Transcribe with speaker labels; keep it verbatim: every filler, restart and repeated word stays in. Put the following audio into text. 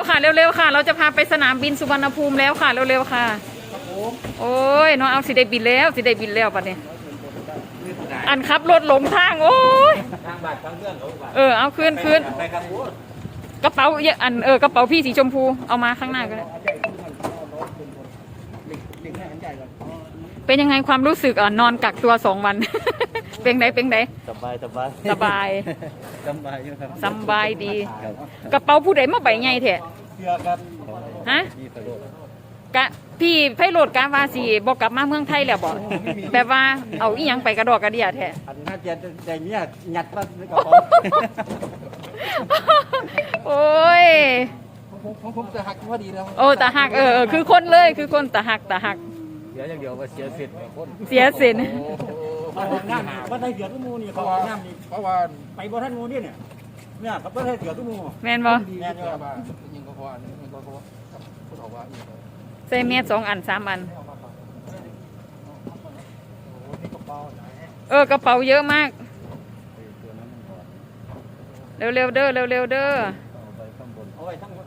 Speaker 1: ๆค่ะเร็วๆค่ะเราจะพาไปสนามบินสุวรรณภูมิแล้วค่ะเร็วๆค่ะโอ้ยน้องเอาสิได้บินแล้วสิได้บินแล้วปัดนี้อันขับรถหลงทางโอ้ยเออเอาคืนคืนกระเป๋าเยอะอันเออกระเป๋าพี่สีชมพูเอามาข้างหน้าก็ได้เป็นยังไงความรู้สึกอ่ะนอนกักตัวสองวัน เป็นไงเป็นไง
Speaker 2: สบายสบาย
Speaker 1: สบาย
Speaker 2: สบายอยู่ครับ
Speaker 1: สบายดีกระเป๋าผู้ใดมาใบใหญ่แท้ฮะกะพี่ไพโรดกาวาสีบอกกลับมาเมืองไทยแล้วบอกแบบว่าเอาอีหยังไปกระดอกกระเดียแท้
Speaker 2: อันน่าจะใจเนี้ยยัดมาในกระเป๋า
Speaker 1: โอ้ย
Speaker 2: ผมผมจะหักพอดีแล้ว
Speaker 1: โอ้ตาหักเออคือคนเลยคือคนตาหักตาหัก
Speaker 2: เดี๋ยวอย่างเดียวว่าเสียสิทธิ์คน
Speaker 1: เสียสิน
Speaker 3: น้ำว่าได้เสือตุ้มูนี่เขาน้ำนี่เพราะว่าไปบ่ท่านมูนี่เนี่ยเนี่ยเขาไม่ได้เสือตุ้มู
Speaker 1: แม่นบ่
Speaker 3: แม่นบ่
Speaker 2: ยิงก็พอยิงก็พอพูดออกว่า
Speaker 1: ใส่เมียสองอันสามอันเออกระเป๋าเยอะมากเร็วๆเด้อเร็วๆเด้อ
Speaker 3: เอาไว้ทั้งบน